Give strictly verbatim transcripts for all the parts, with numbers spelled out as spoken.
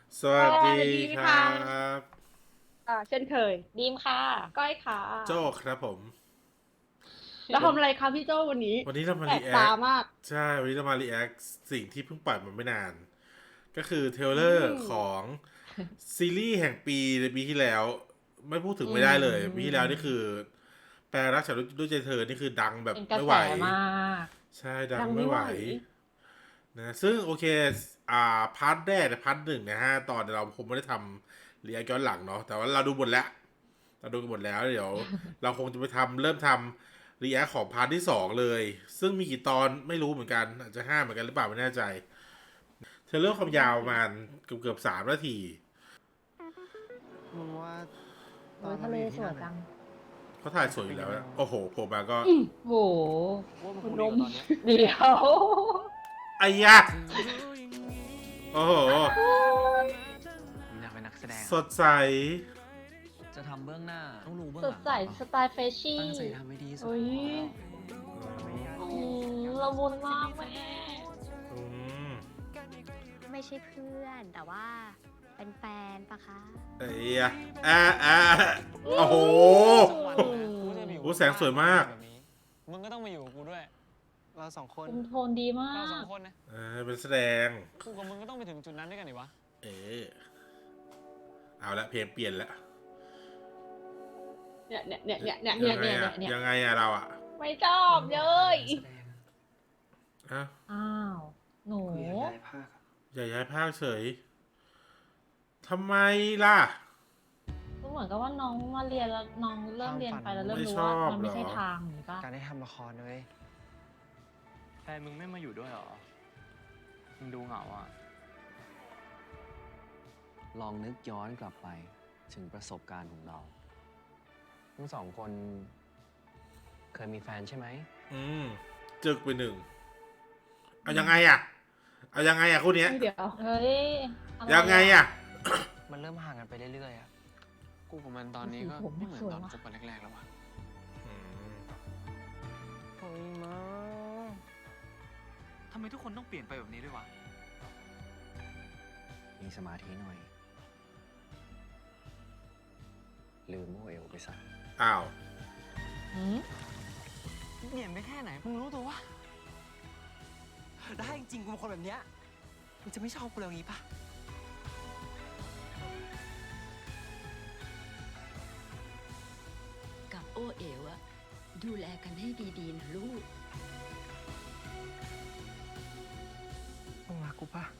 สวัสดีสวัสดีครัค่ะบอ่าเช่นเคยดีมค่ะก้อยค่ะโจ้ครับผมแล้ววันทำอะไรคะพี่โจวันนี้วันนี้เรามาแปลกรีแอคตามากใช่วันนี้เรามารีแอคสิ่งที่เพิ่งปล่อยมาไม่นานก็คือเทรลอืเลอร์มของซีรีส์แห่งปีในปีที่แล้วไม่พูดถึงอืไม่ได้เลยปีที่แล้วนี่มคือแปลรักฉันด้วยใจเธอนี่คือดังแบบเป็นกระแสไม่ไหวมากใช่ดัดังไม่ไหวงไม่ไหวนะซึ่งโอเคอ่าพาร์ทแรกพาร์ทหนึ่งนะฮะตอนเราคงไม่ได้ทำรีแอคย้อนหลังเนาะแต่ว่าเราดูหมดแล้ว เราดูกันหมดแล้วเดี๋ยวเราคงจะไปทำเริ่มทำรีแอคของพาร์ทที่สองเลยซึ่งมีกี่ตอนไม่รู้เหมือนกันอาจจะห้าเหมือนกันหรือเปล่าไม่แน่ใจเทเลอร์ความยาวประมาณเกือบเกือบสามนาทีมึงว่าตโอ้อนยทะเลเราไปอยู่ที่สวยจังนั่นน่ะเขาถ่ายสวยอยู่แล้วนะโอ้โหโผล่มาก็อืมโหว่ามันคคุงณนมดีกว่าตอนเนี้ยเดี๋ยวไอ้ยะโอ้โหอยากเป็นนักแสดงสดใสจะทำเบื้องหน้า ต้องรู้เบื้องสหดลังใสสไตล์เฟชชี่ตั้งใจทำให้ดีที่สุดโอ้ยอืมละมุนมากแม่อืมไม่ใช่เพื่อนแต่ว่าเป็นแฟนปะคะไอ้ยะอ่าอ่าโอ้โหสักวันนะกูจะไปอยู่โอ้แสงสวยมากแบบนี้มึงก็ต้องมาอยู่กับกูด้วย เราสองคนคุมโทนดีมาเราสองกคนนะเออเป็นแสดงกูกับมึงก็ต้องไปถึงจุดนั้นด้วยกันดิวะเออเอาละเพลงเปลี่ยนละเนี่ยเนี่ยเนี่ยเนี่ยเนี่ยยังไงเนี่ยอะเนี่ยยังไงอะเราอะไม่ชอบเลยนักแสดงอ่ะอ้าว หนูกูอยากย้ายภาคอะอย่าย้ายภาคเฉย ทำไมล่ะก็เหมือนกับว่าน้องมาเรียนแล้วน้องเริ่มเรียนไปแล้วเริ่มไม่รู้ชอว่าบมันไม่ใช่เหรอทางนี้ป่ะการได้ทำละครเลยแฟนมึงไม่มาอยู่ด้วยหรอ มึงดูเหงาอ่ะลองนึกย้อนกลับไปถึงประสบการณ์ของเรา ทั้งสองคนเคยมีแฟนใช่ไหมอืมจึกไปหนึ่งเอายังไงอะเอายังไงอะคู่เนี้ยเดี๋ยวเฮ้ยอะรยังไงอะมันเริ่มห่างกันไปเรื่อยๆอ่ะ กูกับมันตอนนี้ก็โอ้โหไม่เหมือนสวยตอนว่ะคบกันแรกๆแล้วว่ะอืมโอ้ยมาทำไมทุกคนต้องเปลี่ยนไปแบบนี้ด้วยวะมีสมาธิหน่อย ลืมโมเอลไปซะอ้าวหืมเปลี่ยนไปแค่ไหน มึงรู้ตัววะ ได้จริงๆกูเป็นคนแบบเนี้ยมึงจะไม่ชอบกูแล้วงี้ปะกับโอเอ๋วอะดูแลกันให้ดีๆนะลูกมึงรักกูปะ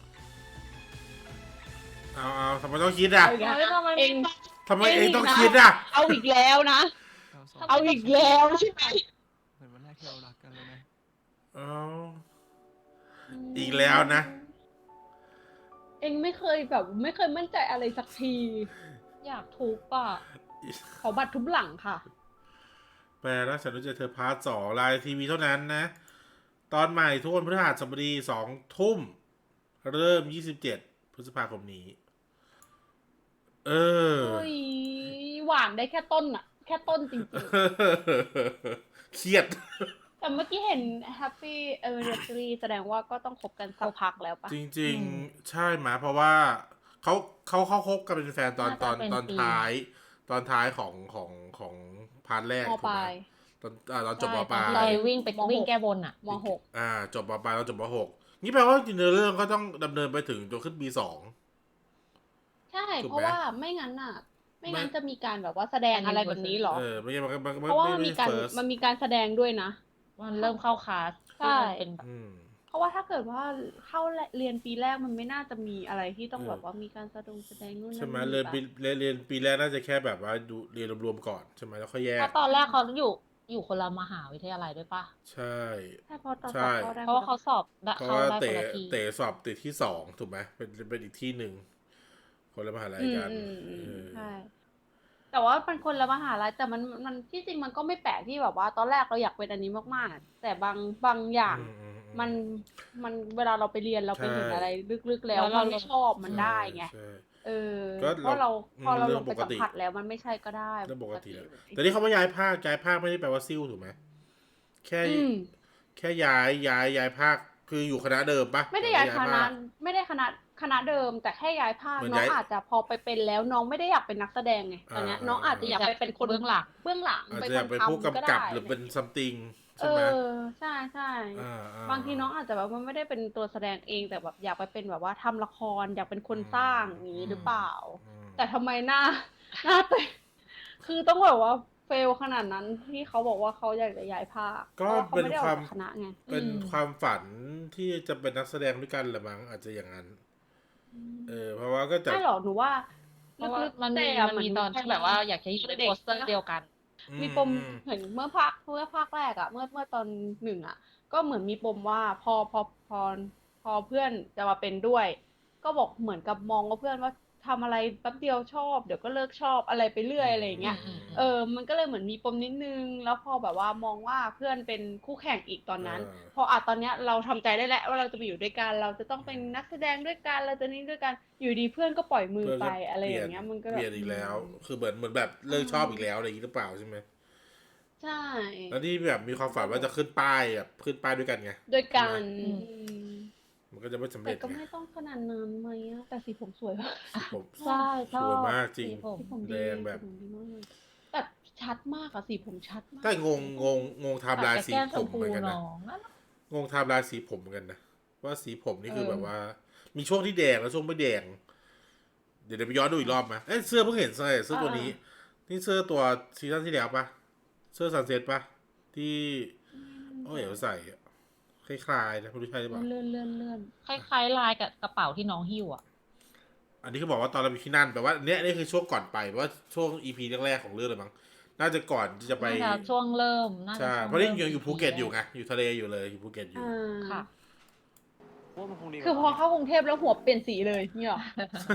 เอาเอาทำไมต้องคิดอะเอาอีกเฮ้ยแล้วทำไมเอไม่งต้องทำไมเองต้องคิดอะเอาอีกแล้วนะเราสองเอาอีกแล้วใช่ไหมเหมือนวันแรกที่เรารักกันเลยนะเอาอีกแล้วนะเองไม่เคยแบบไม่เคยมั่นใจอะไรสักทีอยากทุบอ่ะขอบัตรทุบหลังค่ะแปลรักฉันด้วยใจเธอพาร์ทสองไลน์ทีวีเท่านั้นนะ ตอนใหม่ทุกวันพฤหัสบดีสองทุ่ม เริ่มยี่สิบเจ็ดพฤษภาคมนี้ เออเฮ้ยหวานได้แค่ต้นอะแค่ต้นจริงเครียดๆ แต่เมื่อกี้เห็น Happy Anniversary แสดงว่าก็ต้องคบกันสักพักแล้วปะจริงๆ ใช่ไหมเพราะว่าเขาเขาเขาคบกันเป็นแฟนตอนตอนตอนท้าย ตอนท้ายของของของพาร์ทแรกมถูกปไหมลายตอนอ่าตอนจบมใช่ปลาตอนที่ยเราวิ่งไปมหกวิ่งแก้บนอ่ะมหกอ่า จบมปลายแล้วจบมหกนี่แปลว่าจริงๆเรื่องก็ต้องดำเนินไปถึงจนขึ้นปีสองใช่ถูกไหมเพราะว่าไม่งั้นน่ะ ไม่งั้นไม่จะมีการแบบว่าแสดงอะไรแบบนี้หรอเออไม่ใช่มันมันมันเพราะว่าไม่มันไม่มีการเฟิร์สมันมีการแสดงด้วยนะมันเริ่มเข้าคลาสใช่ที่มันเป็นแบบอืมเพราะว่าถ้าเกิดว่าเข้าเรียนปีแรกมันไม่น่าจะมีอะไรที่ต้องเออแบบว่ามีการแสดงแสดงนู่นนั่นใช่ไหมนี่เรียนปะปีเรียนเรียนปีแรกน่าจะแค่แบบว่าดูเรียนรวมๆก่อนใช่ไหมแล้วค่อยแยเพกราะตอนแรกเขาอยู่อยู่คนละมหาวิทยาลัยด้วยป่ะใช่ใช่เพราะตอนใช่สอบเข้าได้เพราะว่าเขาสอบได้เพราะเข้าว่าได้คเต๋นละทีเต๋สอบติดที่สองถูกไหมเป็นเป็นอีกที่หนึ่งคนละมหาลัยอืมกันอืมอืมเออใช่ แต่ว่าเป็นคนละมหาลัยแต่มันมันที่จริงมันก็ไม่แปลกที่แบบว่า ตอนแรกเราอยากเป็นอันนี้มากๆ แต่บางบางอย่างอือือืมันมันเวลาเราไปเรียนเราไปใช่เห็นอะไรลึกๆ แล้วแล้วเรามันไม่ชอบมันได้ไงใช่เออก็เพราะเราเราพอเราเรื่ลองงไปปกสัมติผัสแล้วมันไม่ใช่ก็ได้เรื่องปกติแล้วเลยแต่นี่เขาไม่ย้ายภาคย้ายภาคไม่ได้แปลว่าซิ่วถูกไหมแค่อืมแค่ย้ายย้ายย้ายภาคคืออยู่คณะเดิมปะไม่ได้ย้ายคณะภาคไม่ได้คณะคณะเดิมแต่แค่ย้ายภาคเหมือนน้องย้ายอาจจะพอไปเป็นแล้วน้องไม่ได้อยากเป็นนักแสดงไงตอนเนี้ยอ่าน้องอาจจะอยากไปเป็นคนเบื้องหลังเบื้องหลังอาจเป็นจะคอยากนเป็นผู้ทำก็กำได้กับหรือเป็นซัมติงเอใช่ไหมอใช่ใช่อ่าอ่าบางทีน้องอาจจะแบบว่าไม่ได้เป็นตัวแสดงเองแต่แบบอยากไปเป็นแบบว่าทำละครอยากเป็นคนอืมสร้างอย่างนี้หรือเปล่าอืมแต่ทำไมหน้า หน้าเตะคือต้องแบบว่าเฟลขนาดนั้นที่เขาบอกว่าเขาอยากจะย้ายภาคก็พราะว่าเขาเป็นไม่ได้อคอกวามจากคณะไงเป็นอืมความฝันที่จะเป็นนักแสดงด้วยกันแหละมั้งอาจจะอย่างนั้น เออ เพราะว่าก็จะไม่หรอกหนูว่าเพราะว่าลึกๆมันมีแต่มันมีเหตอนที่แบบว่าอยากจะอยู่ในเด็กโปสเตอร์เดียวกันมีปมเห็นเมื่อภาคเมื่อภาคแรกอะเมื่อเมื่อตอนหนึ่งอะก็เหมือนมีปมว่าพอพอพอพอเพื่อนจะมาเป็นด้วย ก็บอกเหมือนกับมองว่าเพื่อนว่าทำอะไรแป๊บเดียวชอบเดี๋ยวก็เลิกชอบอะไรไปเรื่อยอะไรอย่างเงี้ยอืมอืมเออ มันก็เลยเหมือนมีปมนิดนึง แล้วพอแบบว่ามองว่าเพื่อนเป็นคู่แข่งอีกตอนนั้นเออพออ่ะตอนเนี้ยเราทำใจได้แล้วว่าเราจะไปอยู่ด้วยกัน เราจะต้องเป็นนักแสดงด้วยกัน เราจะนี่ด้วยกัน อยู่ดีเพื่อนก็ปล่อยมือเพื่อนไปก็อะไรเปอลี่ยนย่างเงี้ย มันก็เปแบบลี่ยนอีกแล้วอืมคือเหมือนเหมือนแบบเลิกชอบอีกแล้วอะไรอย่างนี้หรือเปล่าใช่ไหมใช่แล้วที่แบบมีความฝันว่าจะขึ้นป้ายแบบขึ้นป้ายด้วยกันไงด้วยกันอืมอืมมันก็จะไม่สำแต่เร็จก็ไงไม่ต้องขนาดนั้นไหมอะแต่สีผมสวยมากผมใช่ชสอบวยมากจริงสีผมสีผมแดดีงแบบสีผมดีมากเลยแบบชัดมากอะสีผมชัดมากแต่งงงงงงไทม์ไลน์แต่สีแก้มผชมมพูเหมือนกันนะน้องนั่นงงไทม์ไลน์สีผมเหมือนกันนะว่าสีผมนี่คือเออแบบว่า มีช่วงที่แดงแล้วช่วงไม่แดง เดี๋ยวเดี๋ยวไปย้อนดูอีกรอบมาเอ้ยเสื้อเพิ่งเห็นใส่เสื้อตัวนี้ นี่เสื้อตัวซีซั่นที่แล้วปะเสื้อซันเซ็ตปะที่โอ้ยเอ๋วใส่อะคล้ายๆนะไม่รู้ใช่หรือเปล่าเลื่อนเลื่อนเลื่อนคล้ายๆลายกับกระเป๋าที่น้องหิ้วอ่ะอันนี้เขาบอกว่าตอนเราไปที่นั่นแปลว่าเนี้ยนี่คือช่วงก่อนไปแปลว่าช่วงอีพีแรกๆของเรื่องเลยมั้งน่าจะก่อนที่จะไปน่าจะช่วงเริ่มน่าจะใช่ช่วงเพราะนี่ยังริ่มอยู่ภูเก็ตอยู่ไงอยู่ทะเลอยู่เลยอยู่ภูเก็ตอยู่อ่าค่ะว่ามันคงดีกว่าคือพอเข้ากรุงเทพแล้วหัวเปลี่ยนสีเลยเนี่ยหรอ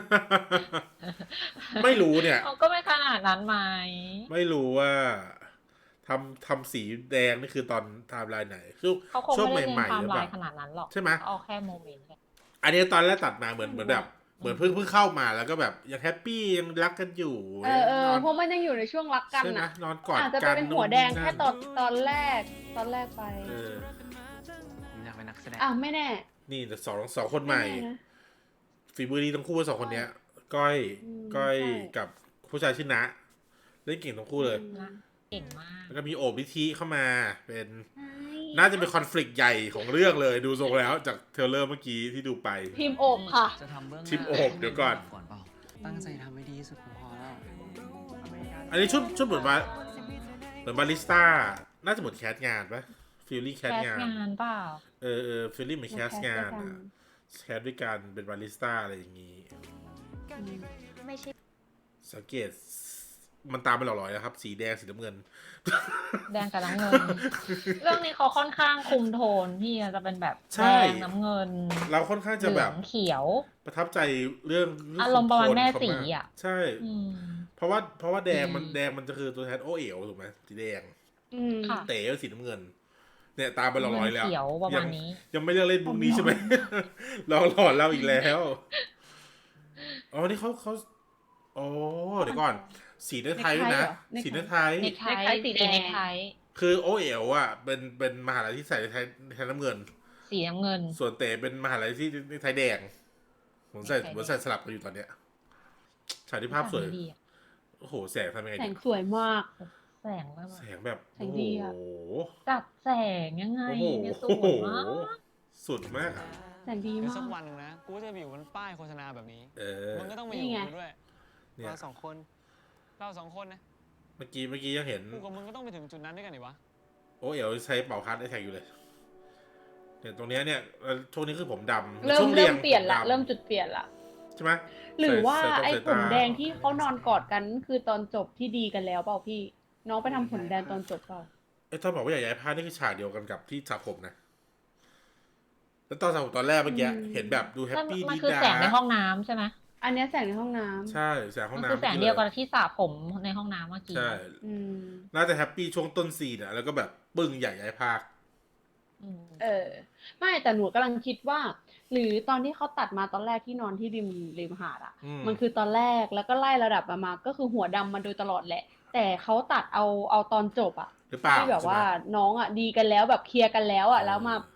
ไม่รู้เนี่ยเขาก็ไม่ขนาดนั้นไหมไม่รู้ว่าทำทำสีแดงนี่คือตอนไทม์ไลน์ไหนช่วงเขาคงช่วงไม่ได้ใหเรียนม่ๆไทหรือม์ไลเปล่าน์ขนาดนั้นหรอกใช่ไหมเอาแค่โมเมนต์แค่อันนี้ตอนแรกตัดมาเหมือนเหมือนแบบ เหมือนเพิ่งเพิ่งเข้ามาแล้วก็แบบยังแฮปปี้ยังรักกันอยู่เออเออนอนเพราะมันยังอยู่ในช่วงรักกันใช่ไหมน่ะนอนกอดอาจจะกันเป็นหัวแดงแค่ตอนนู่นตอนแรกตอนแรกไปเออผมอยากเป็นนักแสดงอ่ะไม่แน่นี่แต่สองสองคนใหม่ไแน่นะฝีมือดีทั้งคู่สองคนเนี้ย ก้อยอืมก้อยใช่กับผู้ชายชื่อณะเล่นเก่งทั้งคู่เลยนะเก่งมากแล้วก็มีโอบพิธีเข้ามาเป็น น่าจะเป็นคอน FLICT ใหญ่ของเรื่องเลยดูทรงแล้วจากเทรลเลอร์เมื่อกี้ที่ดูไปทีมโอบค่ะจะทำเบื้องหน้าทิปโอบเดี๋ยวก่อนก่อนเปล่า ตั้งใจทำให้ดีที่สุดก็พอแล้วอันนี้ชุดชุดเหมือนว่าเหมือนบาริสต้า น่าจะเหมือนแคสงานปะฟิลลิ่งแคแคสสงานงานเปล่าเออเออฟิลลิ่งเหมือนแคสงานเหมือนอะแคสด้วยกันเป็นบาริสต้าอะไรอย่างงี้ไม่ใช่สังเกตมันตามไปหล่อๆนะครับ สีแดงสีน้ำเงินแดงกับน้ำเงิน เรื่องนี้เขาค่อนข้างคุมโทนพี่จะเป็นแบบใช่แดงน้ำเงินเราค่อนข้างจะเหแบลือบ งเขียวประทับใจเรื่องเงอารมณ์ประมาณโทนแม่เขาสีากอะใช่อืมเพราะว่าเพราะว่าแดงมันอืมแดงมันจะคือตัวแทนโอเอ๋วถูกไหมสีแดงอืมค่ะเต๋อสีน้ำเงิน เนี่ยตามไปหล่อๆแล้วเขียวประมาณนี้ยังยังไม่เลือกเล่นบุกนี้ใช่ไหม เราหลอนเราอีกแล้วอ๋อนี่เขาเขาโอ้เดี๋ยวก่อน สีเนื้อไทยด้วยนะเนคไทเหรอสีเนื้อไทยเนคไทเนคไทสีแดงเนคไทคือโอเอ๋วอ่ะเป็นเป็นมหาลัยที่ใส่ในไทยในไทยน้ำเงินสีน้ำเงินส่วนเต๋เป็นมหาลัยที่ในไทยแดงผมใส่ในไทยแดงผมใส่สลับกันอยู่ตอนเนี้ยฉากที่ภาพสวยดีอะโอ้โหแสงทำยังไงแสดีงสวยมากแสงแบบแสงแบบแสงดีอะโอ้โหจัดแสงยังไงโอ้โหเนี่ยสโอ้โหวยมากสุดมากอะแสงดีเดี๋ยวมาสักกวันหนึงนะ กูจะไปอยู่บนป้ายโฆษณาแบบนี้เออมันก็ต้องมานี่อยู่ไงกับกูด้วยเนี่ยเราสองคน เราสองคนนะเมื่อกี้เมื่อกี้ยังเห็นกูกับมึงก็ต้องไปถึงจุดนั้นด้วยกันดิวะโอเอ๋วใช้เป่าคัดได้แท็กอยู่เลยเนี่ยตรงเนี้ยเนี่ยเอ่อช่วงนี้คือผมดำเริ่มช่วงเริ่ยมงเปลี่ยนละผดำเริ่มจุดเปลี่ยนละใช่ไหมหรือว่าใส่ใส่ไอ้ใส่ผตามแดงที่เขานอนกอดกันคือตอนจบที่ดีกันแล้วเปล่าพี่ น้องไปทำผมแดงตอนจบเปล่าไอ้ตอนบอกว่าอยากย้ายผ้านี่คือฉากเดียวกันกับที่สระผมนะ แล้วตอนสระผมตอนแรกเมื่อกี้อืมเห็นแบบดูแฮปนั่นปี้มันดีคือดาแสงในห้องน้ำใช่ไหมอันเนี้ยแสงในห้องน้ำใช่แสงห้อมังนน้ำคือแสงเดียวกับที่สระผมในห้องน้ำเมื่อกี้ใช่อืมน่าจะแฮปปี้ช่วงต้นซีนอะแล้วก็แบบปึ้งอยากย้ายภาคอืมเออ ไม่แต่หนูกำลังคิดว่า หรือตอนที่เขาตัดมาตอนแรกที่นอนที่ริมริมหาดอ่ะอืมมันคือตอนแรกแล้วก็ไล่ระดับมามาก็คือหัวดำมาโดยตลอดแหละ แต่เขาตัดเอาเอาตอนจบอ่ะหรือเปล่าที่แบบว่าใช่ไหมน้องอ่ะดีกันแล้วแบบเคลียร์กันแล้วอ่ะ แล้วมา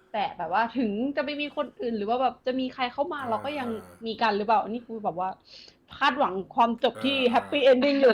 แต่แบบว่าถึงจะไม่มีคนอื่นหรือว่าแบบจะมีใครเข้ามาเราก็ยังมีกันหรือเปล่านี่คือแบบว่าคาดหวังความจบที่แฮปปี้เอนดิ้งอยู่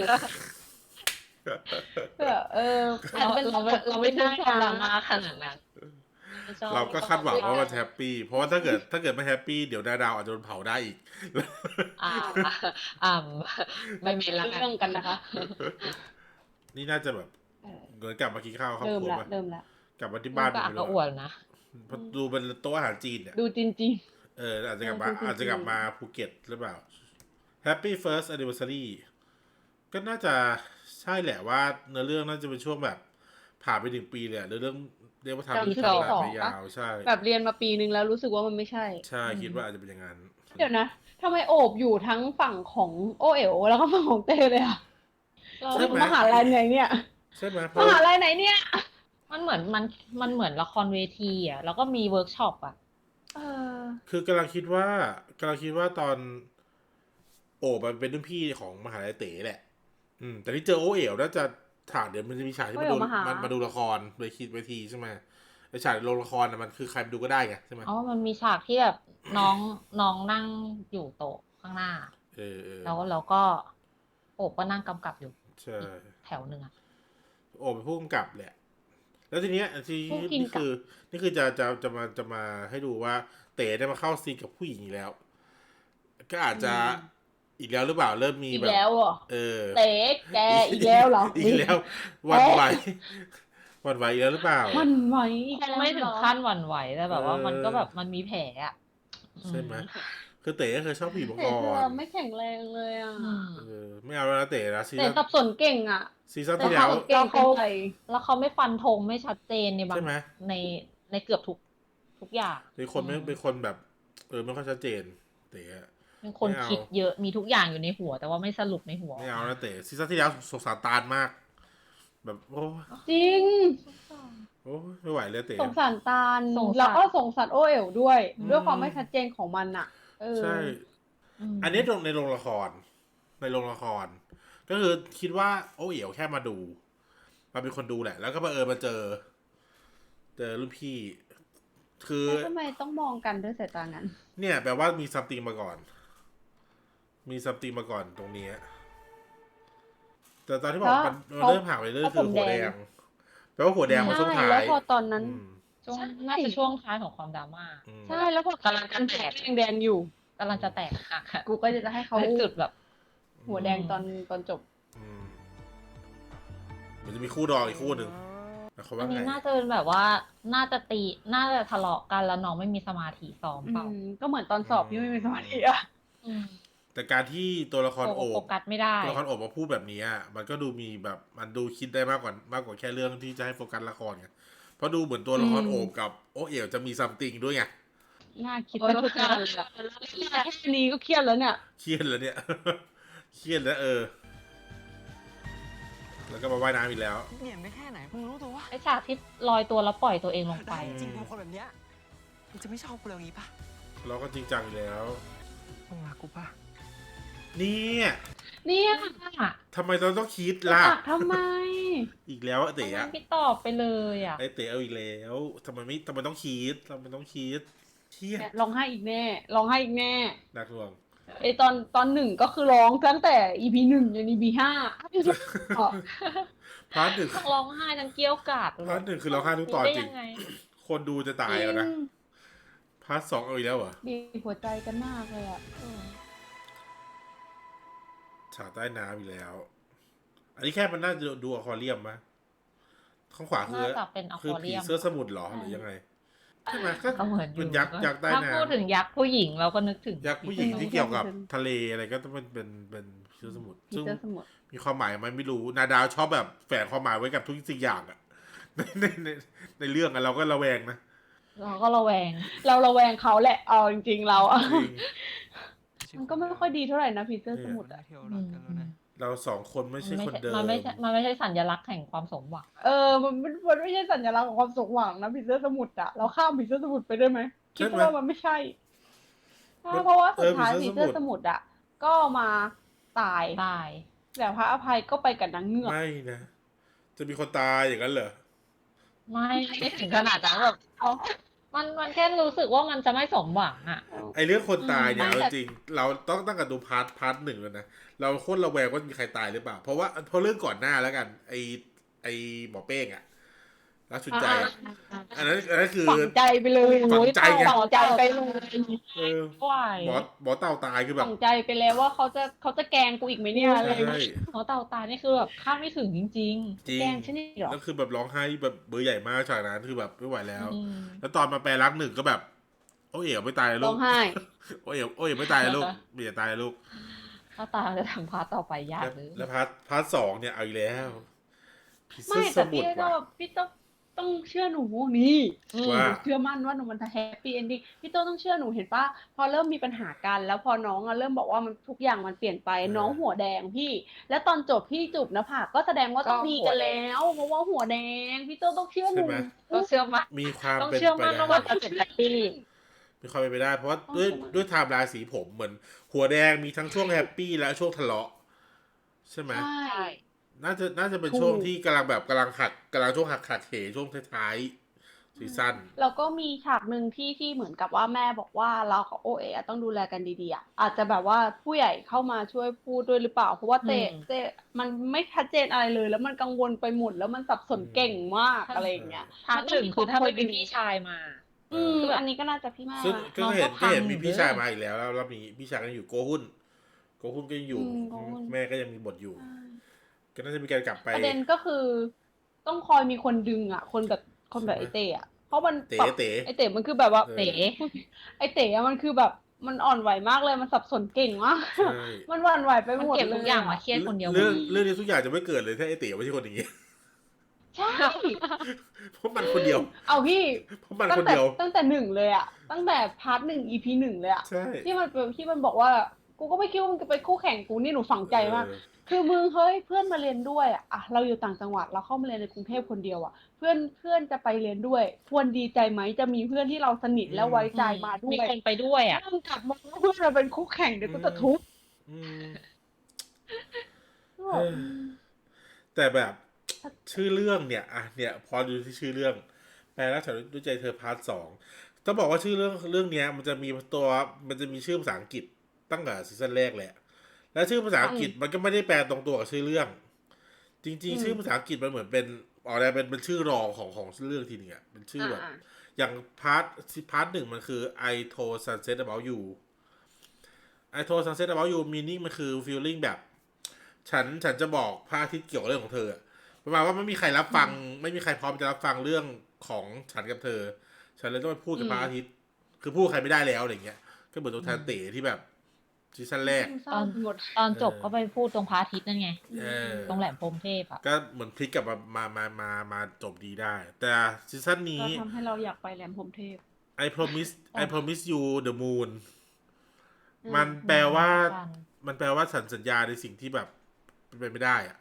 เออเราเราไม่เราไม่ได้ดราม่าขนาดนั้นไม่ชอบเราก็คาดหวังว่ามันแฮปปี้เพราะว่าถ้าเกิดถ้าเกิดไม่แฮปปี้เดี๋ยวดาดาวอาจจะโดนเผาได้อีกอ่าอ่าไม่มีละกันเรื่องกันนะคะนี่น่าจะแบบเออเหมือนกลับมากินข้าวครอบเริ่มครัวละปะเริ่มละกลับมาที่มับ้านนก็อักไปกระเลยอ่วนนะเพราะดูเป็นโต๊ะอาหารจีนเนี่ยดูจริงจริงเอออาจจะกลับมาเออจริงๆอาจจะกลับมาภูเก็ตหรือเปล่า Happy First Anniversary ก็น่าจะใช่แหละว่าเนื้อเรื่องน่าจะเป็นช่วงแบบ ผ่านไปหนึ่งปีเลยอะเนื้อเรื่องเรียกว่าทำจำเรื่องที่ทำสองไปปะยาวใช่แบบเรียนมาปีนึงแล้วรู้สึกว่ามันไม่ใช่ใช่คิดว่าอาจจะเป็นอย่างนั้นเดี๋ยวนะทำไมโอบอยู่ทั้งฝั่งของโอเอ๋วแล้วก็ฝั่งของเต้เลยอะเราใช่ไหมมหาลัยไหนเนี่ยใช่ไหมเพมราะหาลัยไหนเนี่ยมันเหมือนมันมันเหมือนละครเวทีอ่ะแล้วก็มีเวิร์กช็อปอ่ะเออคือกำลังคิดว่ากำลังคิดว่าตอน โอบมันเป็นรุ่นพี่ของมหาลัยเต๋แหละ อืม แต่ที่เจอโอเอ๋วน่าจะฉากเดี๋ยวมันจะมีฉากที่มาดูโอเอ๋วมาหามัมันมาดูละครโดยคิดเวทีใช่ไหมไอฉากโรงละครน่ะมันคือใครไปดูก็ได้ไงใช่ไหมอ๋อมันมีฉากที่แบบน้องน้องนั่งอยู่โต๊ะข้างหน้าเออเออแล้วแล้วก็โอบก็นั่งกำกับอยู่ใช่แถวหนึ่งอ่ะโอบเป็นผู้กำกับแหละ แล้วทีเนี้ยที่ผู้กินนี่คือ นี่คือจะจะจะมาจะมาให้ดูว่า เต๋ได้มาเข้าซีนกับผู้หญิงอีกแล้ว ก็อาจจะอีกแล้วหรือเปล่าเริ่มมีอีกแบบแล้วเหรอเออเต๋แกอีกแล้วเหรออีกแล้วหวันไหวหวันไหวอีกแล้วหรือเปล่ามันไหวอีกคงแล้วไม่ถึเหรง อขั้นหวั่นไหวแต่แบบว่าเออมันก็แบบมันมีแผลอ่ะใช่ไหมคือเต๋ก็เคยชอบผู้หญิงมาเต๋ก่อเธอน ไม่แข็งแรงเลยอ่ะอืมเออไม่เอาแล้วนะเต๋นะซีเต๋ซั่นสับสนเก่งอ่ะซีซั่นเต๋ที่แล้วสับสนเก่งเป็นใครแล้วเขาไม่ฟันธงไม่ชัดเจนในบางใช่ไหมในในเกือบทุกทุกอย่างเป็นคนไม่เป็นคนแบบ เออไม่ค่อยชัดเจน เต๋อะเป็นคนไม่เอาคิดเยอะมีทุกอย่างอยู่ในหัว แต่ว่าไม่สรุปในหัวไม่เอานะเต๋ซีซั่นที่แล้วสงสารตาลมาก แบบโอ้จริงโอ้ไม่ไหวเลยเต๋สงสารตาลสงสารแล้วก็สงสารโอเอ๋วด้วยอืมด้วยความไม่ชัดเจนของมันอ่ะ เออใช่มอันนี้ตรงในโรงละคร ในโรงละคร ก็คือคิดว่าโอ้เอ๋วแค่มาดู มาเป็นคนดูแหละ แล้วก็บังเอิญมาเจอ เจอรุ่นพี่ คือแล้วทำไมต้องมองกันด้วยสายตางั้นเนี่ยแปลว่ามีซัมติงมาก่อน มีซัมติงมาก่อนตรงนี้ แต่ตอนที่บอกมันมันเริ่มห่างไปเรื่อยคือหัวแดง แปลว่าหัวแดงมาช่วงท้าแล้วยพอตอนนั้นอืมช่วงใช่น่าจะช่วงท้ายของความดราม่าอืมใช่แล้วพอกำลังจะแตกแดงๆอยู่กำลังจะแตกหักอะกูก็จะให้เขาในจุดแบบหัวแดงตอนตอนจบอืมมันจะมีคู่ดองอีกคู่หนึ่งแต่เขาอัว่าน ไงนี้น่าจะเป็นแบบว่า น่าจะตี น่าจะทะเลาะกันแล้วน้องไม่มีสมาธิซ้อมอืเปล่ามก็เหมือนตอนสอบที่ไม่มีสมาธิอ่ะอืมแต่การที่ตัวละครโฟโอบโฟกัสไม่ได้ตัวละครโอบมาพูดแบบนี้อะมันก็ดูมีแบบมันดูคิดได้มากกว่ามากกว่าแค่เรื่องที่จะให้โฟกัสละครไงเพราะดูเหมือนตัวละครอืมโอบกับโอเอ๋วจะมีซัมติงด้วยไงน่าคิดไปทุกอย่างเลยอะแค่นี้ก็เครียดแล้วเนี่ยเครียดแล้วเนี่ย เครียดแล้วเออ แล้วก็มาว่ายน้ำอีกแล้วเหนียนไปแค่ไหน มึงรู้ตัววะไอฉากที่ลอยตัวแล้วปล่อยตัวเองลงไปได้จริงๆกูเป็นคนแบบเนี้ยมึงจะไม่ชอบกูเลยอย่างงี้ปะเราก็จริงจังอีกแล้วมึงรักกูปะเนี่ยเนี่ยทำไมเราต้องคิดจะล่ะตักทำไมอีกแล้วอะเต๋ทำไมอะพี่ตอบไปเลยอ่ะไอเต๋เอาอีกแล้วทำไมไม่ทำไมต้องคิดทำไมต้องคิดเครียดร้องไห้อีกแน่ร้องไห้อีกแน่นักลวงไอตอนตอนหนึ่งก็คือร้องตั้งแต่ อี พี หนึ่งจน อี พี ห้าอ๋อพาร์ทหนึ่งร้องไห้ทั้งเกี้ยวกราดพาร์ทหนึ่งคือร้องไห้ทุกตอนจริงได้ยังไงคนดูจะตายแล้วนะจริงพาร์ทสองเอาอีกแล้วเหรอบีบหัวใจกันมากเลยอ่ะฉากใต้น้ำอีกแล้ว อันนี้แค่มันน่าจะดูอควาเรียมมะข้างขวาคือน่าจะเป็นอคือควาเรีผียมเสื้อสมุทรเหรอหรือยังไงใช่ไหมก็ก็เหมือนอยู่เป็นยักษ์ยักษ์ใต้ถ้าน้พูดถึงยักษ์ผู้หญิงเราก็นึกถึงำยักษ์ผู้หญิงที่เกี่ยวกับทะเลอะไรก็ต้องเป็นเป็นเป็นผีเสื้อสมุทรพีซึ่งเตอร์สมุทรมีความหมายไหมไม่รู้ นาดาวชอบแบบแฝงความหมายไว้กับทุกสิ่งอย่างอะ ในในในในเรื่องอะเราก็ระแวงนะเราก็ระแวงเราระแวงเขาแหละ เอาจริงๆเราอะจริงมันก็ไม่ค่อยดีเท่าไหร่นะพีเตอร์สมุทรได้อะเที่ยวรักกันแล้วนะเราสองคนไม่มันใช่ไม่คนใช่เดิมมันไม่ใช่มันไม่ใช่สัญลักษณ์แห่งความสมหวังเออ มันมันมันไม่ใช่สัญลักษณ์ของความสมหวังนะพีเตอร์สมุทรอะเราข้ามพีเตอร์สมุทรไปได้ไหมคิดว่ามันไม่ใช่ใช่เพราะว่าสุดท้ายพีเตอร์สมุทรอะก็มาตายตายแต่พระอภัยก็ไปกับนางเงือกไม่นะ จะมีคนตายอย่างนั้นเหรอไม่ไม่ถึงขนาดนั้นแบบเอามันมันแค่รู้สึกว่ามันจะไม่สมหวังอ่ะไอเรื่องคนตายเนี่ยอืมเอาจริงๆเราต้องตั้งแต่ดูพาร์ทพาร์ทหนึ่งแล้วนะเราโคตรระแวงว่ามีใครตายหรือเปล่า เพราะว่าเพราะเรื่องก่อนหน้าแล้วกัน ไอไอหมอเป้งอะรักชุนใจอะอันนั้นอันนั้นคือฝังใจไปเลยฝังใจไงฝังใจไปเลยเออไหวหมอหมอเต่าตายคือแบบฝังใจไปแล้วว่าเขาจะเขาจะแกล้งกูอีกไหมเนี่ยอะไรใช่หมอเต่าตายนี่คือแบบคาดไม่ถึงจริงจริงแกล้งฉันนี่เหรอแล้วคือแบบร้องไห้แบบเบอร์ใหญ่มากฉากนั้นคือแบบไม่ไหวแล้วๆอืมแล้วตอนมาแปลรักหนึ่งก็แบบ โอ้ยเอ๋ไม่ตายเลยลูร้อก งไห้โอ้ยเอ๋โอ้ยเอ๋ไม่ตายเลยลูกไม่อย่าตายเลยลูกถ้าตายจะทำพาร์ทต่อไปยากแล้วเลยแล้วพาร์ทพาร์ทสองเนี่ยเอาอีกแล้วพิซไม่ซ่าสแต่มุพี่ดก็ว่ะพี่ต้องต้องเชื่อหนูนี่ว่าเชื่อมั่นว่าหนูมันจะแฮปปี้เอนดิ้งพี่โต้ต้องเชื่อหนูเห็นปะพอเริ่มมีปัญหากัน แล้วพอน้องอะเริ่มบอกว่ามันทุกอย่างมันเปลี่ยนไปน้องหัวแดงพี่ แล้วตอนจบพี่จูบหนะผากก็แสดงว่าต้องดีกันแล้วเพราะว่าหัวแดงพี่โต้ต้องเชื่อหใช่นูไหมก็เชื่อมั่นมีความต้องเป็นเชื่อไปมั่นได้ว่าจะเป็นแฮปปี้มีความเป็นไปได้ เพราะว่าต้องด้วยเชื่อมั่นด้วยไทม์ไลน์สีผมเหมือน หัวแดงมีทั้งช่วงแฮปปี้และช่วงทะเลาะใช่ไหมใช่น่าจะน่าจะเป็นถูกช่วงที่กำลังแบบกำลังหักกำลังช่วงหักหักเหช่วงท้ายๆซีซั่นแล้วก็มีฉากหนึ่งที่ที่เหมือนกับว่าแม่บอกว่าเรากับโอเอะต้องดูแลกันดีๆอะอาจจะแบบว่าผู้ใหญ่เข้ามาช่วยพูดด้วยหรือเปล่า เพราะว่าเตะอืมเตะมันไม่ชัดเจนอะไรเลย แล้วมันกังวลไปหมดแล้วมันสับสนอืมเก่งมากอะไรอย่างเงี้ยพาร์ทหนึ่งคือถ้าไม่เป็นพี่ชายมาอืมคือแบบอันนี้ก็น่าจะพี่แม่ซึ่งก็น้องเห็นก็ก็เห็นพังมีพี่เลยชายมาอีกแล้วแล้วแล้วมีพี่ชายก็ยังอยู่โกหุนโกหุนก็ยังอยู่อืมโกฮุนแม่ก็ยังมีบทอยู่ ก็น่าจะมีการกลับไปประเด็นก็คือ ต้องคอยมีคนดึงอ่ะ คนแบบคนแบบใช่ไหมไอเต๋อะเพราะมันเต๋แบบเต๋ไอเต๋มันคือแบบว่าเออเต๋ไอเต๋อะมันคือแบบมันอ่อนไหวมากเลยมันสับสนเก่งมากใช่มันหวั่นไหวไปมันหมดเก็บเลทุกยอย่างอะมาเครียดคนเดียวเรื่องหมดเรื่องนี้ทุกอย่างจะไม่เกิดเลยถ้าไอเต๋ไม่ใช่คนอย่างงี้ใช่เพราะมันคนเดียวเอาพี่เพราะมันตั้คงนแต่เดียวตั้งแต่หนึ่งเลยอะตั้งแต่พาร์ทหนึ่ง อี พี หนึ่งเลยอะใช่ที่มันเป็นที่มันบอกว่า กูก็ไม่คิดว่ามึงจะเป็นคู่แข่งกูนี่หนูฝังใจมากเออคือมึงเฮ้ยเพื่อนมาเรียนด้วยอะอะเราอยู่ต่างจังหวัดเราเข้ามาเรียนในกรุงเทพคนเดียวอะเพื่อนเพื่อนจะไปเรียนด้วย ควรดีใจไหมจะมีเพื่อนที่เราสนิทและไว้ใจมาด้วมียคนไปด้วยอ่ะถ้ามึงกลับมาว่าเพื่อนเราเป็นคู่แข่งเดี๋ยวกูจะทุบอืมก็แบบเออ แต่แบบชื่อเรื่องเนี่ยอ่ะเนี่ย พอดูที่ชื่อเรื่อง แปลรักฉันด้วยใจเธอพาร์ทสองต้องบอกว่าชื่อเรื่องเรื่องเนี้ย มันจะมีตัวมันจะมีชื่อภาษาอังกฤษตั้งแต่ซีซั่นแรกแหละ แล้วชื่อภาษาอังกฤษมันก็ไม่ได้แปลตรงตัวกับชื่อเรื่อง จริง ๆ ชื่อภาษาอังกฤษมันเหมือนเป็นออกแนวเป็นเป็นชื่อรองของของเรื่องทีนึงอ่ะเป็นชื่อแบบอ่าอย่างพาร์ทพาร์ทหนึ่งมันคือ I told sunset about you I told sunset about you meaning มันคือ feeling แบบ ฉันฉันจะบอกพระอาทิตย์เกี่ยวกับเรื่องของเธออะประมาณว่าไม่มีใครรับฟัง ไม่มีใครพร้อมจะรับฟังเรื่องของฉันกับเธอ ฉันเลยต้องไปพูดกับอืมพระอาทิตย์ คือพูดกับใครไม่ได้แล้วอะไรเงี้ย ก็เหมือนตัวแทนเต๋ที่แบบซีซั่นแรกเศร้าไปหมดตอนจบเออก็ไปพูดตรงพระอาทิตย์นั่นไงเออตรงแหลมพรหมเทพอ่ะก็เหมือนพลิกกลับมามามามามาจบดีได้ แต่ซีซั่นก็นี้ทำให้เราอยากไปแหลมพรหมเทพ I promise I promise you the moon อืมมันแปลว่าพระจันทร์มันแปลว่าฉันสัญญาในสิ่งที่แบบเป็นไปไม่ได้อะ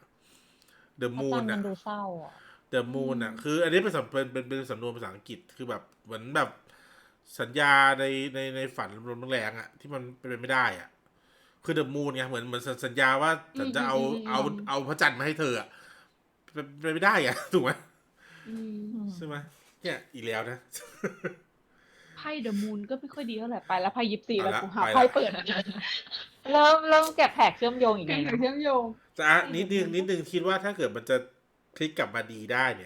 the พระจั moon นทร์มัอะนดูเศร้าอ่ะ the moon อ่ะ คืออันนี้เป็นสำเป็นเป็นเป็นสำนวนภาษาอังกฤษ คือแบบเหมือนแบบสัญญาในในในฝันลมแรงๆอ่ะ ที่มันเป็นไปไม่ได้อ่ะ คือ the moon ไงเหมือนเหมือนสัญญาว่าฉันจะเอาอืมอืมอืมเอาเอาพระจันทร์มาให้เธออ่ะเป็นเป็นไปไม่ได้อ่ะ ถูกไหมอืมใช่ไหมเนี่ยอีกแล้วนะไพ่เดอะมูนก็ไม่ค่อยดีเท่าไหร่ไปแล้วไพ่ยิปซีเอาแล้วละกูหาไปละไพ่เปิดเริ่มเริ่มแกะแผกเชื่อมโยงอีกเก่แล้งวเชื่อมโยงจะอ่ะนิดนึงนิดนึงคิดว่าถ้าเกิดมันจะพลิกกลับมาดีได้เนี่ย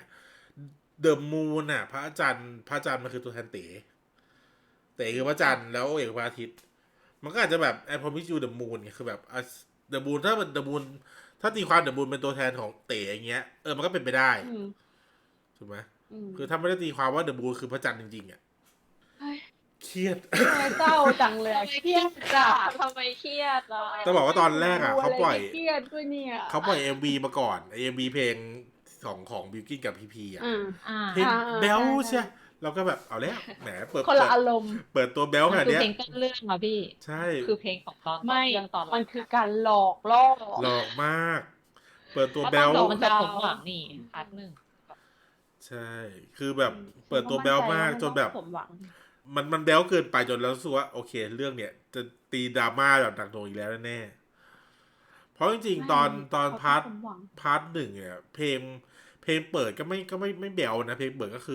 the moon อ่ะ พระจันทร์พระจันทร์มันคือตัวแทนเต๋เต๋คือพระจันทร์แล้วเอกพระอาทิตย์ มันก็อาจจะแบบ I promise you the moon ไงคือแบบอ่ะ the moon ถ้าเป็น the moon ถ้าตีความ the moon เป็นตัวแทนของเต๋อย่างเงี้ยเออมันก็เป็นไปได้อืมถูกไหมอืมคือถ้าไม่ได้ตีความว่า the moon คือพระจันทร์จริงๆอ่ะเฮ้ยเครียดทำไมเศร้าจังเลยอะเครียดจ้ะทำไมเครียดล่ะต้องบอกว่าตอนแรกอ่ะเขาปล่อยเครียดด้วยเนี่ยเขาปล่อย เอ็ม วี มาก่อน เอ็ม วี เพลงของของบิวกิ้นกับพีพีอ่ะอ่าอ่าเพลงอ่าเบลใช่ใช่เราก็แบบเอาแล้วแหมเปิดคนละเปิดอารมณ์เปิดตัวเบลขมันนาดคือเนี้ยเพลงต้นเรื่องอ่ะพี่ใช่คือเพลงของตอนไม่เรื่องตอนมันคือการหลอกล่อหลอกมาก เปิดตัวเพราะเบตอนลจบมันจะสมหวังนี่พาร์ทหนึ่งใช่ คือแบบเปิดตัวเบลมากจนแบบผมหวังมันมันเบลเกินไปจนเรารู้สึกว่าโอเค เรื่องเนี้ยจะตีดราม่าแบบหนักหน่วงอีกแล้วแน่ๆเพราะจริงๆตอนตอนพาร์ทผมหวังพาร์ทหนึ่งเนี่ยเพลงเพลงเปิดก็ไม่ก็ไม่ไม่เบลนะเพลงเปิดก็คือแบบ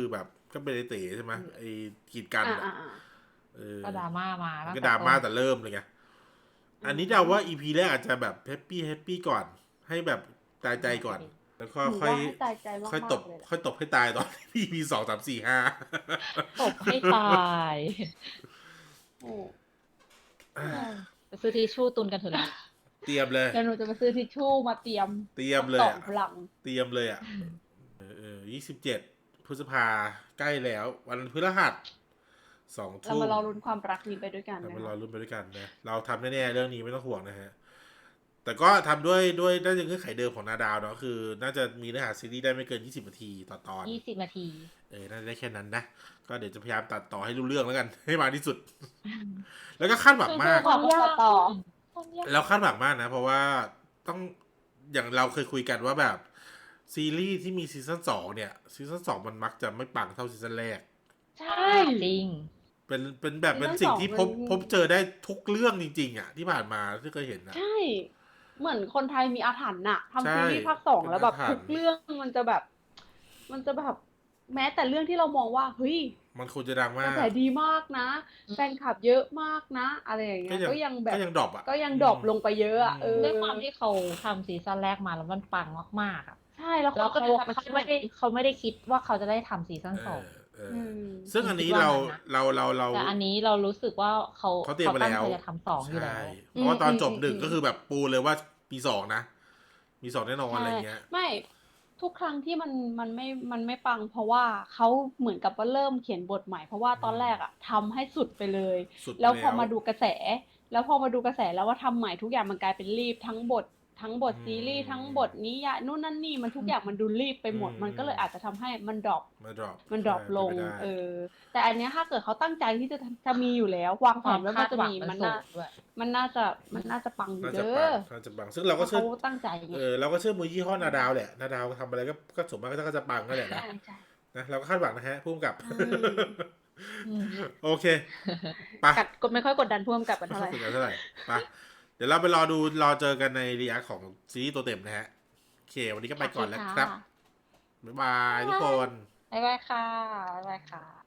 ก็เป็นไอเต๋ใช่ไหมไอกีดกันอ่าอะอ่าอ่าเออก็ดราม่ามาตั้งก็แต่ดราม่าต้นแต่เริ่มเลยไงอืมอันนี้เดาว่าอีพีแรกอาจจะแบบแฮปปี้แฮปปี้ก่อน ให้แบบตายใจก่อน แล้วก็หนูค่อยว่าให้ตายใจมากๆค่อยตบเลยแหละค่อยตบให้ตายตอน อีพีสองสามสี่ห้าตบให้ตายโอ้ไปซื้อทิชชู่ตุนกันเถอะนะเตรียมเลยเดี๋ยวหนูจะไปซื้อทิชชู่มาเตรียมเตรียมเลยต่ออะพลังเตรียมเลยอ่ะ เออเออยี่สิบเจ็ดพฤษภาใกล้แล้ว วันพฤหัสสองเราทุ่มมารอลุ้นความรักนี้ไปด้วยกันเรานะมารอคะรุ่นไปด้วยกันนะ เราทำแน่ๆเรื่องนี้ไม่ต้องห่วงนะฮะ แต่ก็ทำด้วยด้วยน่าจะเงื่อนไขเดิมของนาดาวเนาะ คือ น่าจะมีเนื้อหาซีรีส์ได้ไม่เกินยี่สิบนาทีต่อตอนยี่สิบนาทีเออ น่าจะได้แค่นั้นนะ ก็เดี๋ยวจะพยายามตัดต่อให้รู้เรื่องแล้วกัน ให้มากที่สุด แล้วก็คาดหวังมากความยากต่อความยากแล้วคาดหวังมากนะ เพราะว่าต้องอย่างเราเคยคุยกันว่าแบบซีรีส์ที่มีซีซั่นสองเนี่ยซีซั่นสองมันมักจะไม่ปังเท่าซีซั่นแรกใช่จริงเป็นเป็นแบบเป็นซีซั่นสิ่งที่สองพบมันพบเจอได้ทุกเรื่องจริง ๆ อ่ะ ที่ผ่านมาที่เคยเห็นนะใช่ เหมือนคนไทยมีอาถรรพ์น่ะใช่ทำซีรีส์ภาคสองแล้วแบบเป็นอาถรรพ์ทุกเรื่องมันจะแบบ มันจะแบบ แม้แต่เรื่องที่เรามองว่า เฮ้ยมันควรจะดังกมาระกแสดีมากนะอืมแฟนคลับเยอะมากนะ อะไรอย่างเงี้ก็ยยังก็ยังแบบก็ยังดรอปอ่ะก็ยังดรอปลงไปเยอะอะเออด้วยความที่เขาทำซีซั่นแรกมาแล้วมันปังมากๆอ่ะใช่แล้วแล้วเขาเขาเขาเขาไม่ได้เขาไม่ได้คิดว่าเขาจะได้ทำซีซั่นเอสองอเอออืมซึ่งอันนี้คิดว่าเรางั้นนะเราเราเราแต่อันนี้เรารู้สึกว่าเขาเขาเตรียมมาตั้งแล้วใจจะทำสองอยู่แล้ใช่วเพราะว่าตอนจบอืมหนึ่งอืมก็คือแบบปูเลยว่ามีสองนะ มีสองแน่นอนอะไรเงี้ยไม่ทุกครั้งที่มันมันไม่มันไม่ปัง เพราะว่าเขาเหมือนกับว่าเริ่มเขียนบทใหม่ เพราะว่าตอนแรกอะทำให้สุดไปเลยสุดไปแล้วพอแล้วมาดูกระแส แล้วพอมาดูกระแสแล้วว่าทำใหม่ทุกอย่างมันกลายเป็นรีบทั้งบท ทั้งบทอืมซีรีส์ทั้งบทนิยายนู่นนั่นนี่มันทุกอย่างมันดูรีบไปหมดอืมมันก็เลยอาจจะทำให้มันดรอปมาดรอปมันดรอปลงใช่เป็นไปได้เออ แต่อันเนี้ยถ้าเกิดเขาตั้งใจที่จะจะมีอยู่แล้ว วางแผความนไว้คาว่าดจะหวังมีมันมันสูน่างด้วยมันน่าจะมันน่าจะปังอยู่น่าจะเด้ปังอน่าจะปังซึ่งเราก็เพเชื่ราะอเขาตั้งใจไงเออเราก็เชื่อมือยี่ห้อนาดาวแหละนาดาวทำอะไรก็ก็สมมติก็จะปังนั่นแหละนะใช่ใช่นะเราก็คาดหวังนะฮะพุ่มกับอืมอืมโอเคไปกัดกดไม่ค่อยกดดันพ่วงกับกันเท่าไหร่ถึงกันเท่าไหร่ไปเดี๋ยวเราไปรอดูรอเจอกันในรีแอคของซีรีส์ตัวเต็มนะฮะโอเค วันนี้ก็ไปก่อนแล้วครับ บ๊ายบายทุกคนบ๊ายบายค่ะ บ๊ายบายค่ะ